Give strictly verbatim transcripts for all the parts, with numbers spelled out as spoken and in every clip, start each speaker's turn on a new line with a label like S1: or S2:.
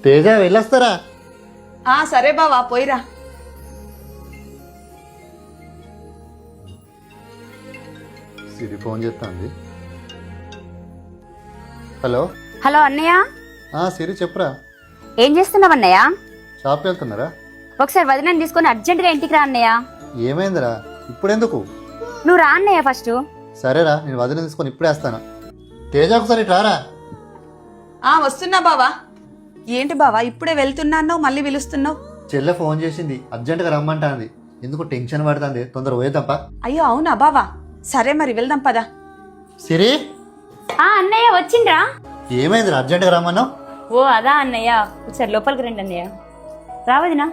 S1: తేజ వెళ్ళొస్తారా?
S2: ఆ సరే బావా పోయిరా.
S1: సిరి ఫోన్ చేస్తాంది. హలో
S3: హలో అన్నయ్య,
S1: ఆ సిరి చెప్పురా.
S3: ఏం చేస్తున్నావు అన్నయ్య?
S1: షాప్కి వెళ్తున్నారా?
S3: ఒకసారి వదినని తీసుకొని అర్జెంటుగా ఇంటికి రా అన్నయ్య.
S1: ఏమైందిరా? ఇప్పుడెందుకు?
S3: నువ్వు రా అన్నయ్య ఫస్ట్.
S1: సరేరా, నేను వదిన తీసుకొని ఇప్పుడే వస్తాను. తేజ ఒకసారి ఇటు రారా.
S2: ఆ వస్తున్నా బావా. ఏంటి బావా ఇప్పుడే వెళ్తున్నావు మళ్ళీ పిలుస్తున్నావు?
S1: చెల్లె ఫోన్ చేసింది, అర్జెంటుగా రమ్మంటాంది. ఎందుకు టెన్షన్ పడుతుంది, తొందర పోయేద్దాంపా.
S2: అయ్యో అవునా బావా, సరే మరి వెళ్దాం పదా.
S1: సిరి
S3: ఆ అన్నయ్య వచ్చిండ్రా.
S1: ఏమైందిరా అర్జెంటుగా రమ్మన్నావు?
S3: ఓ అదా అన్నయ్య, ఒకసారి లోపలికి రండి అన్నయ్య. రా వదినా.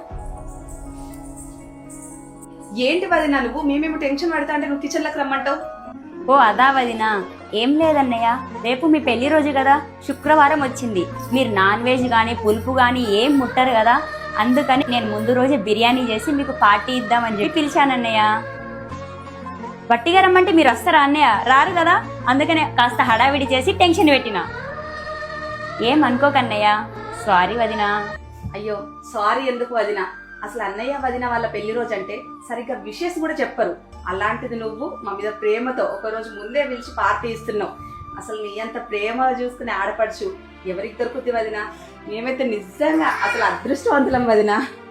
S2: ఏంటి వదినా నువ్వు మేమేమో టెన్షన్ పడతా అంటే నువ్వు కిచెన్లోకి రమ్మంటావు?
S3: ఓ అదా వదినా, ఏం లేదన్నయ్య, రేపు మీ పెళ్లి రోజు కదా, శుక్రవారం వచ్చింది. మీరు నాన్ వెజ్ కానీ పులుపు కానీ ఏం ముట్టరు కదా, అందుకని నేను ముందు రోజే బిర్యానీ చేసి మీకు పార్టీ ఇద్దామని చెప్పి పిలిచానన్నయ్య. వట్టిగా రమ్మంటే మీరు వస్తారా అన్నయ్య? రారు కదా, అందుకనే కాస్త హడావిడి చేసి టెన్షన్ పెట్టినా. ఏం అనుకోకన్నయ్య, సారీ వదినా.
S2: అయ్యో సారీ ఎందుకు వదినా, అసలు అన్నయ్య వదిన వాళ్ళ పెళ్లి రోజు అంటే సరిగ్గా విషెస్ కూడా చెప్పరు. అలాంటిది నువ్వు మా మీద ప్రేమతో ఒక రోజు ముందే పిలిచి పార్టీ ఇస్తున్నావు. అసలు నీ అంత ప్రేమ చూసుకునే ఆడపడుచు ఎవరికి దొరుకుతుంది వదినా? మేమైతే నిజంగా అసలు అదృష్టవంతులం వదినా.